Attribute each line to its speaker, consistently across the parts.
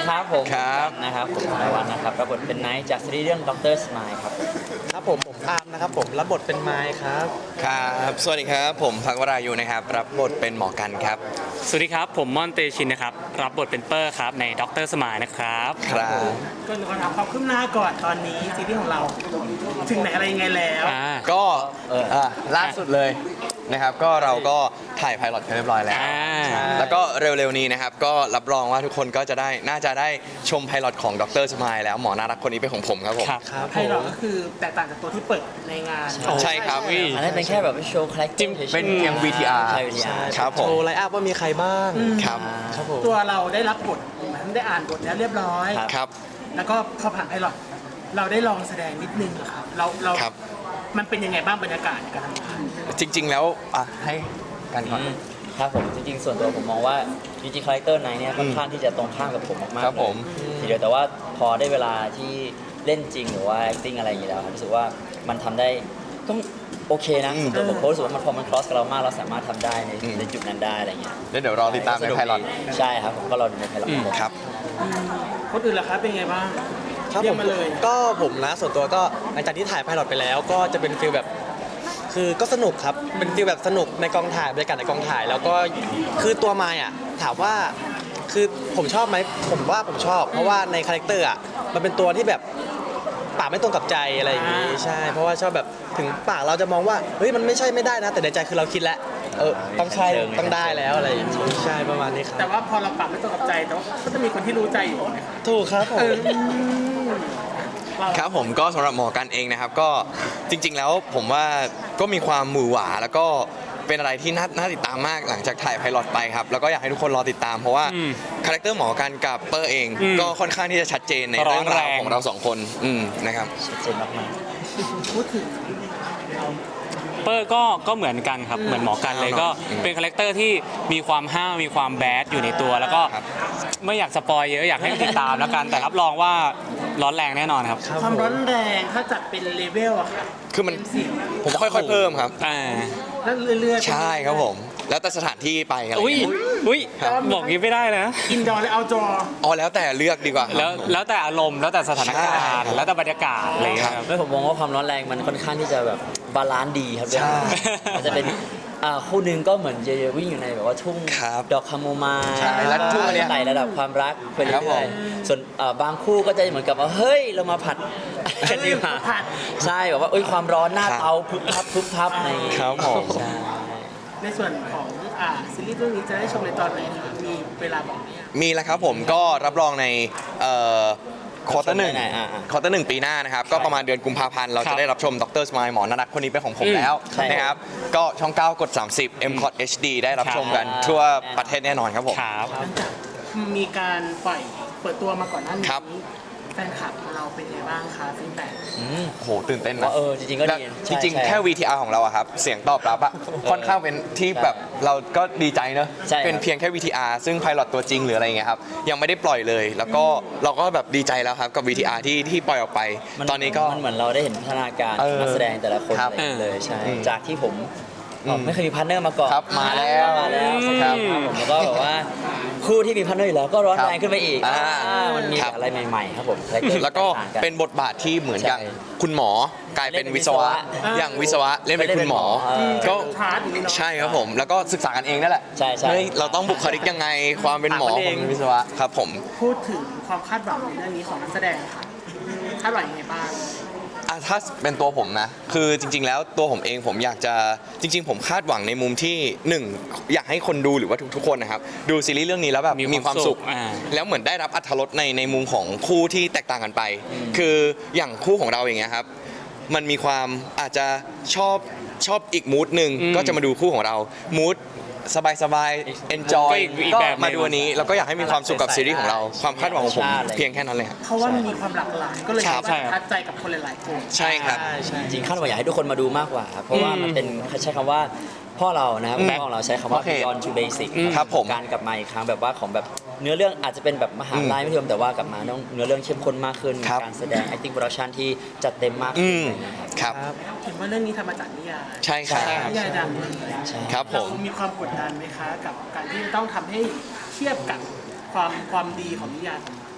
Speaker 1: ครับผม
Speaker 2: ครับ
Speaker 1: นะครับผมนายวันนะครับรับบทเป็นไนท์จากซีรีส์เรื่องด็อกเตอร์สมายครับ
Speaker 3: ครับผมอาร์มนะครับผมรับบทเป็นไมค์ครับ
Speaker 2: ครับสวัสดีครับผมพักวรายุนะครับรับบทเป็นหมอกันครับ
Speaker 4: สวัสดีครับผมม่อนเตชินนะครับรับบทเป็นเปอร์ครับในด็อกเตอร์สมายนะครับ
Speaker 2: ครับ
Speaker 5: ก็ขอถามความคืบหน้าก่อนตอนนี้ซีรีส์ของเราถึงไหนอะไรยังไงแล้ว
Speaker 2: ก็ล่าสุดเลยนะครับก็เราก็ถ่ายไพลอตกันเรียบร้อยแล้ว แล้วก็เร็วๆนี้นะครับก็รับรองว่าทุกคนก็จะได้น่าจะได้ชมไพลอตของดรสมายแล้วหมอน่ารักคนนี้เป็นของผมครับผม
Speaker 4: ครับ
Speaker 3: ครับ
Speaker 5: ไพลอตก็คือแตกต่างจากตัวที่เปิดในงาน
Speaker 2: ใช่ครับ
Speaker 1: อันนั้นเป็นแค่แบบโชว์คาแรคเตอร์
Speaker 2: เป็นเพียง VTR
Speaker 1: ใช่ VTR
Speaker 2: ครับผม
Speaker 3: โชว์ไลน์อัพว่ามีใครบ้าง
Speaker 2: ครับ
Speaker 3: ครับผม
Speaker 5: ตัวเราได้รับบทได้อ่านบทแล้วเรียบร้อย
Speaker 2: ครับ
Speaker 5: แล้วก็พอผ่านไพลอตเราได้ลองแสดงนิดนึงอะครับเรา
Speaker 2: ครับ
Speaker 5: มันเป็นยังไงบ้างบรรยากาศการทำงาน
Speaker 2: จริงๆแล้วให้กันก่อน
Speaker 1: ครับผมจริงๆส่วนตัวผมมองว่าจริงๆคาแรคเตอร์ไนท์เนี่ยค่อนข้างที่จะตรงข้ามกับผมมากๆ
Speaker 2: ครับผม
Speaker 1: เลยทีเดียวแต่ว่าพอได้เวลาที่เล่นจริงหรือว่า acting อะไรอย่างนี้แล้วครับรู้สึกว่ามันทำได้ก็โอเคนะส่วนตัวผมรู้สึกว่ามันพอมัน cross กับเรามากเราสามารถทำได้ในจุดนั้นได้อะไรอย่างเงี้ย
Speaker 2: แล้วเดี๋ยวรอติดตามในไพลอต
Speaker 1: ใช่ครับผมก็รอดูในไพลอต
Speaker 2: ครับ
Speaker 5: คนอื่นล่ะครับเป็นไงบ้าง
Speaker 3: ครับ
Speaker 5: เรี
Speaker 3: ผ
Speaker 5: ยก
Speaker 3: ม
Speaker 5: มาเลย
Speaker 3: ก็ผมนะส่วนตัวก็หลังจากที่ถ่ายไพลอตไปแล้วก็จะเป็นฟีลแบบคือก็สนุกครับเป็นฟีลแบบสนุกในกองถ่ายบรรยากาศในกองถ่ายแล้วก็คือตัวไมค์อ่ะถามว่าคือผมชอบไหมผมว่าผมชอบ เพราะว่าในคาแรคเตอร์อ่ะมันเป็นตัวที่แบบปากไม่ตรงกับใจอะไรอย่างนี้ใช่เพราะว่าชอบแบบถึงปากเราจะมองว่าเฮ้ยมันไม่ใช่ไม่ได้นะ แต่ในใจคือเราคิดแล้วต้องใช่ต้องได้แล้วอะไรอย่างนี้ใช่ประมาณนี้ครับ
Speaker 5: แต่ว่าพอเราปรับไม่ตรงกับใจแต่ว่าก็จะมีคนที่รู้ใจอยู่นะครับ
Speaker 3: ถูกครับผม
Speaker 5: เรา
Speaker 2: ครับผมก็สำหรับหมอกันเองนะครับก็จริงๆแล้วผมว่าก็มีความหมือหวาแล้วก็เป็นอะไรที่น่าติดตามมากหลังจากถ่ายไพลอตไปครับแล้วก็อยากให้ทุกคนรอติดตามเพราะว่าคาแรคเตอร์หมอกันกับเปอร์เอง ก็ค่อนข้างที่จะชัดเจนในเรื่องราวของเราสองคนนะครับ
Speaker 1: ชัดเจนมาก
Speaker 5: พูดถึง
Speaker 4: เปอร์ก็เหมือนกันครับเหมือนหมอกันเลยก็เป็นคาแรคเตอร์ที่มีความห้าวมีความแบดอยู่ในตัว แล้วก็
Speaker 2: ครับ
Speaker 4: ไม่อยากสปอยเยอะอยากให้ติดตามแล้วกันแต่รับรองว่าร้อนแรงแน่นอนครับ
Speaker 5: ความร้อนแรงถ้าจัดเป็นเลเวลอะครับ
Speaker 2: คือมัน
Speaker 5: เสียง
Speaker 2: ผมค่อยๆเพิ่มครับ
Speaker 5: แล้วเรื่อยๆ
Speaker 2: ใช่ครับผม แล้วแต่สถานที่ไปอะไร
Speaker 4: อุ้ย
Speaker 2: เงี้ย
Speaker 4: อุ้ย
Speaker 2: ครับ
Speaker 4: บอกงี้ไม่ได้นะ
Speaker 5: อินดอร์และเอาท์ดอร์
Speaker 2: อ๋อแล้วแต่เลือกดีกว่าครับ
Speaker 4: แล้วแต่อารมณ์แล้วแต่สถานการณ์
Speaker 2: ใช่
Speaker 4: แล้วแต่บรรยากาศอะไรอย่างเงี้ยครับ
Speaker 1: ๆไม่ผมมองว่าความร้อนแรงมันค่อนข้างที่จะแบบบาลานซ์ดีครับ
Speaker 2: ใช่
Speaker 1: มันจะเป็นคู่หนึงก็เหมือนจะวิ่งอยู่ในแบบว่าทุ่ง
Speaker 2: ครับ
Speaker 1: ดอกคาโมไมล์
Speaker 2: ใช่แล้วทุ่งอันเนี้ย
Speaker 1: ไต่ระดับความรักไป
Speaker 2: ครับผ
Speaker 1: เรื่อย
Speaker 2: ม
Speaker 1: ๆส่วนบางคู่ก็จะเหมือนกับว่าเฮ้ยเรามาผัดกันดีกว่า
Speaker 5: ผัด
Speaker 1: ใช่แบบว่าความร้อนหน้า
Speaker 2: ครับ
Speaker 1: เตาพึบพับพึบพับใน
Speaker 2: ครับผม
Speaker 1: ใช่
Speaker 5: ในส่วนของซีรีส์เรื่องนี้จะได้ชมในตอนไหนครับมีเวลาบอกไหมอะ
Speaker 2: มีแล้วครับผมก็รับรองในควอเตอร์หนึ่ง
Speaker 1: อ่า
Speaker 2: ควอเตอร์หนึ่งปีหน้านะครับก็ประมาณเดือนกุมภาพันธ์เรา
Speaker 4: ครั
Speaker 2: จะ
Speaker 4: บ
Speaker 2: ได้รับชมดรสมายหมอน่ารักคนนี้เป็นของผมแล้ว
Speaker 1: ใช่
Speaker 2: นะครับก็ช่อง 9 กด 30 m c o t HD ได้รับชมกัน
Speaker 1: ครับ
Speaker 2: ทั่วประเทศแน่นอนครับผม
Speaker 4: ครับ
Speaker 5: หลังจากมีการปล่อยเปิดตัวมาก่อนหน้านี้
Speaker 2: ครับ
Speaker 5: แฟนคลับของเราเป็นไงบ้างคะฟีดแบ็ก
Speaker 2: โอ้โหตื่นเต้น
Speaker 1: ว่า
Speaker 2: นะ
Speaker 1: จริงๆก็ดี
Speaker 2: จริง
Speaker 1: ใช่
Speaker 2: ๆ แค่ VTR ของเราอะครับเสียงตอบรับอะค่อนข้างเป็นที่แบบเราก็ดีใจเนอะ
Speaker 1: ใช่ครับ
Speaker 2: เป็นเพียงแค่ VTR ซึ่งไพลอตตัวจริงหรืออะไรอย่างเงี้ยครับยังไม่ได้ปล่อยเลย แล้วก็เราก็แบบดีใจแล้วครับกับ VTR ที่ปล่อยออกไป ตอนนี้ก็
Speaker 1: มันเหมือนเราได้เห็นพัฒนาการ
Speaker 2: เออ
Speaker 1: นักแสดงแต่ละคน
Speaker 2: ครับ
Speaker 1: อะไรอย่างเงี้ยเลยใช่
Speaker 2: อืม
Speaker 1: จากที่ผมไม่เคยมีพาร์ทเนอร์มาก่อน
Speaker 2: ครับมาแล้ว
Speaker 1: มาแล้ว
Speaker 2: ครับ
Speaker 1: ผมแล้วก็แบบว่าคู่ที่มีพาร์ทเนอร์อยู่แล้วก็ร้อนแรงขึ้นไปอีก
Speaker 2: อ่า
Speaker 1: มันมี
Speaker 2: ครับ
Speaker 1: อะไรใหม่ๆครับผมคาแรคเตอร์
Speaker 2: แล้วก็
Speaker 1: ต่างๆ
Speaker 2: เป็นบทบาทที่เหมือนอย่าง
Speaker 1: ใช่
Speaker 2: คุณหมอกลายเป็นวิศวะ อย่างวิศวะเล่นเป็นคุณหมอ
Speaker 1: ก็
Speaker 2: ก็
Speaker 5: พาร์ทอย่างนี้เนาะ
Speaker 2: ใช่ครับผม แล้วก็ศึกษากันเองนั่นแหละ
Speaker 1: ใช่ๆ
Speaker 2: เฮ้ยเราต้องบุคลิกยังไงความเป็นหมอ
Speaker 3: ถามกัน
Speaker 2: ข
Speaker 3: เอ
Speaker 2: อง งวิศวะครับผม
Speaker 5: พูดถึงความคาดหวังในเรื่องนี้ของนักแสดงค่ะคาดหวังยังไงบ้าง
Speaker 2: ถ้าเป็นตัวผมนะ คือจริง ๆ แล้วตัวผมเองผมอยากจะจริง ๆ ผมคาดหวังในมุมที่หนึ่งอยากให้คนดูหรือว่าทุกๆคนนะครับดูซีรีส์เรื่องนี้แล้วแบบมีความสุข แล้วเหมือนได้รับอรรถรสในมุมของคู่ที่แตกต่างกันไป คืออย่างคู่ของเราอย่างเงี้ยครับ มันมีความอาจจะชอบอีกมูดหนึ่งก็จะมาดูคู่ของเรามูดสบายๆ enjoy
Speaker 4: ก็อีก
Speaker 2: ก็
Speaker 4: แบบหนึ่ง
Speaker 2: มาดูอันนี้แล้วก็อยากให้มีความสุขกับซีรีส์ของเรา ความคาดหวังของผมเพียงแค่นั้นเลยครับ
Speaker 5: เพราะว่ามันมีความหลากหลายก็เลย
Speaker 2: ครับ
Speaker 5: สามารถประทับใจกับคนหลายๆคน
Speaker 2: ใช่ครับ
Speaker 1: จริงๆคาดหวังอยากให้ทุกคนมาดูมากกว่าครับเพราะว่ามันเป็นใช้คำว่าพ่อเรานะครับพ่อของเราใช้คำว่า
Speaker 2: โอเค
Speaker 1: beyond to basic
Speaker 2: ครับผม
Speaker 1: การกลับมาอีกครั้งแบบว่าของแบบเนื้อเรื่องอาจจะเป็นแบบมหาลัยไม่เทียมแต่ว่ากลับมาต้องเนื้อเรื่องเข้มข้นมากขึ้น
Speaker 2: ครับ
Speaker 1: การแสดง acting production ที่จัดเต็มมากขึ้นอะไรอย่างเงี้ยครับ
Speaker 2: ครับ
Speaker 5: เห็นว่าเรื่องนี้ทำมาจากนิยาย
Speaker 2: ใช่ครับ
Speaker 5: นิยายดังเลย
Speaker 2: ครับผม
Speaker 5: เรามีความกดดันไหมคะ กับการที่ต้องทำให้เทียบกับความดีของนิยายของเรา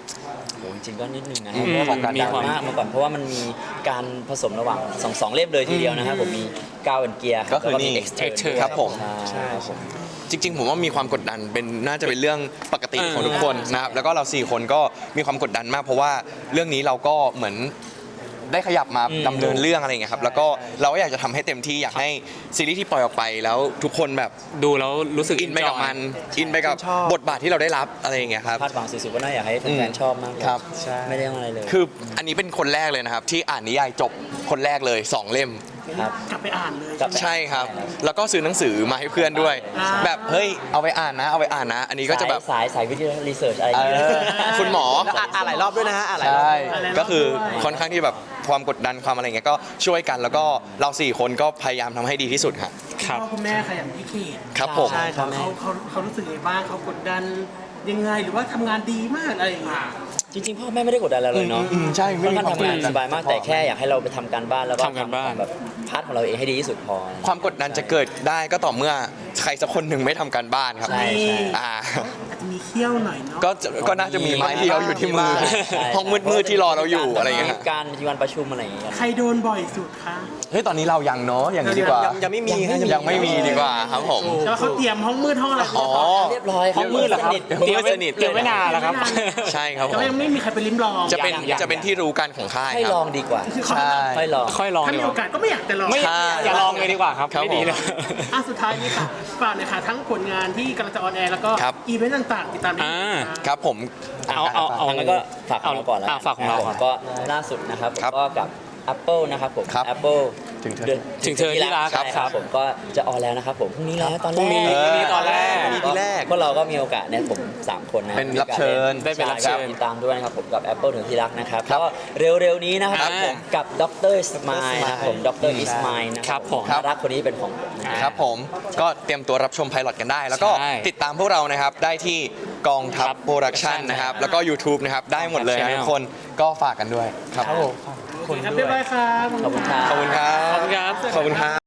Speaker 1: โหจริงๆก็นิดนึงนะ
Speaker 4: อืม
Speaker 1: เพราะว่ามัน
Speaker 4: มี
Speaker 1: ดัง
Speaker 4: ความ
Speaker 1: มากมาก่อนเพราะว่ามันมีการผสมระหว่างสองเล่มเลยทีเดียวนะครับผมมีก้าวเป็นเกียร์
Speaker 2: ก็คือนี่
Speaker 1: Extern
Speaker 2: ครับผม
Speaker 1: ใช่ครับผม
Speaker 2: จริง ๆ ผมว่ามีความกดดันเป็นน่าจะเป็นเรื่องปกติของทุกคนนะครับแล้วก็เรา4คนก็มีความกดดันมาก เพราะว่าเรื่องนี้เราก็เหมือนได้ขยับมาดำเนินเรื่องอะไรอย่างเงี้ยครับแล้วก็เราก็อยากจะทำให้เต็มที่อยากให้ซีรีส์ที่ปล่อยออกไปแล้วทุกคนแบบ
Speaker 4: ดูแล้วรู้สึก
Speaker 2: อินไปกับ
Speaker 4: enjoy
Speaker 2: มันอินไปกับบทบาทที่เราได้รับอะไรอย่างเงี้ยครับ
Speaker 1: คาดหวังสุดๆว่าน่าอยากให้แฟนๆชอบมากกว่า
Speaker 2: ครับ
Speaker 1: ไม่ได้อะไรเลย
Speaker 2: คืออันนี้เป็นคนแรกเลยนะครับ ที่อ่านนิยายจบคนแรกเลย 2 เล่ม
Speaker 1: ครับ
Speaker 5: กลับไปอ่านเลย
Speaker 1: กลับ
Speaker 2: ใช่ครับ แล้วก็ซื้อหนังสือมาให้เพื่อนด้วย
Speaker 5: อ่า
Speaker 2: แบบเฮ้ยเอาไปอ่านนะเอาไปอ่านนะ อันนี้ก็จะแบบ
Speaker 1: สายวิทยารีเสิร์ชอะไรอย่าง
Speaker 2: เอ
Speaker 1: เงี้ย
Speaker 2: อคุณหมอ
Speaker 3: แล้วอ่านหลายรอบด้วยนะฮะอ่านหลายรอบ
Speaker 2: ใช่
Speaker 5: อะไรรอบ
Speaker 2: ก็คือ
Speaker 5: ด้วย
Speaker 2: ค่อนข้างที่แบบความกดดันความอะไรเงี้ยก็ช่วยกันแล้วก็เรา4คนก็พยายามทำให้ดีที่สุดครับ
Speaker 4: ครับ
Speaker 5: พ่อคุณแม่ขยันพิเขต
Speaker 2: ครับผม
Speaker 1: ใช่ครับ
Speaker 5: เขารู้สึกยังไงบ้างเขากดดันยังไงหรือว่าทำงานดีมากอะไรอย่างเงี้ย
Speaker 1: จริงๆพ่อแม่ไม่ได้กดดันเราเลยเนาะ
Speaker 2: ใช่ไม่
Speaker 1: ค่อน
Speaker 2: มี
Speaker 1: ข้าง
Speaker 2: ความ
Speaker 1: ทำงาน
Speaker 2: กดดัน
Speaker 1: สบายมากแต่แค่อยากให้เราไปทำการบ้านแล้วก็
Speaker 4: ทำการบ้าน
Speaker 1: แบบพาร์ทของเราเองให้ดีที่สุดพอ
Speaker 2: ความกดดันจะเกิดได้ก็ต่อเมื่อใครสักคนหนึ่งไม่ทำการบ้านครับ
Speaker 1: ใช่
Speaker 2: อ่า
Speaker 5: อาจจะมีเขี้ยวหน่อยเนาะ
Speaker 2: ก็น่าจะมีไม้เดียวอยู่ที่มือ
Speaker 1: ใช่
Speaker 2: ห้องมืดๆที่รอเราอยู่อะไรอย่างเงี้ย
Speaker 1: มีการมีวันประชุมอะไรอย่างเงี้ย
Speaker 5: ใครโดนบ่อยสุดคะ
Speaker 2: เฮ้ยตอนนี้เรายังเนาะอย่างนี้ดีกว่า
Speaker 3: ยังไม่มีฮะ
Speaker 2: ยังไม่มีดีกว่าครับผม
Speaker 5: แต่ว่าเขาเตรียมห้องมืดห้องอะไร
Speaker 2: อ๋อ
Speaker 1: เรียบร้อย
Speaker 4: ห้องมืดเหรอครับ
Speaker 2: เตรียมไว้สนิท
Speaker 4: เตรียมไว้นานแล้วครับ
Speaker 2: ใช่ครับผ
Speaker 5: แต่
Speaker 2: ม
Speaker 5: ว่ายังไม่มีใครไปลิ้มลอง
Speaker 2: จะเป็น
Speaker 4: ยัง
Speaker 2: จะเป็นที่รู้กันของค่าย
Speaker 1: ให้
Speaker 2: ค
Speaker 1: ล
Speaker 2: รั
Speaker 1: อบ งดีกว่า
Speaker 2: ใช่
Speaker 1: ค่อยลอง
Speaker 4: ค่อยลอง
Speaker 5: ถ้า
Speaker 4: ดี
Speaker 5: มี
Speaker 4: ก
Speaker 5: โอ
Speaker 4: ว่า
Speaker 5: กาสก็ไม่อยากจะลอง
Speaker 4: ไม่
Speaker 2: ใช่
Speaker 4: อย่าลองเลยดีกว่าครับ
Speaker 2: ครับ
Speaker 4: ไม่ดีเลย
Speaker 5: สุดท้ายนี้ค่ะฝากหน่อยค่ะทั้งผลงานที่กำลังจะออนแอร์แล้วก็
Speaker 2: ครับ
Speaker 5: อีเวนต์ต่างๆติดตามได้
Speaker 4: อ่า
Speaker 2: ครับผม
Speaker 4: เอา
Speaker 1: งั้นก็ฝากของเราก่อนแล้ว
Speaker 4: ฝากของเราก่อน
Speaker 1: ก็ล่าสุดนะครับผม
Speaker 2: ครับ
Speaker 1: ก็กับ Apple นะครับผม
Speaker 2: ครับ
Speaker 1: Apple
Speaker 2: ถึงเธอ
Speaker 4: ถึงเธอที่รัก
Speaker 1: ใช่ครับผมก็จะออนแล้วนะครับผมพรุ่งนี้แล้วตอนแรก
Speaker 4: พรุ่งนี้ตอนแรก
Speaker 1: ก็พวกเราก็มีโอกาสเนี่ยผม3คนนะ
Speaker 2: เป็นรับเชิญ
Speaker 4: ได้เป็นรับเชิญ
Speaker 1: ใติดตามด้วยนะครับผมกับ Apple ถึงที่รักนะครับก็เร็วๆนี้นะครับผมกับดรสมายนะครับผมดรอิสมายนะครับ
Speaker 4: ผม
Speaker 1: น่ารักคนนี้เป็นของผมนะ
Speaker 2: ครับผมก็เตรียมตัวรับชมไพลอตกันได้ แล้วก็
Speaker 4: ใช่
Speaker 2: ติดตามพวกเรานะครับได้ที่กองทัพ
Speaker 4: ครับ
Speaker 2: โปรดักชันนะครับแล้วก็ YouTube นะครับได้หมดเลยนะ
Speaker 4: Channel
Speaker 2: ทุกคนก็ฝากกันด้วยครับ
Speaker 5: โอเคครับเรียบร้อยครับ
Speaker 1: ขอบคุณครับ
Speaker 2: ขอบคุณครับ
Speaker 4: ขอบคุณครับ
Speaker 2: ขอบคุณครับ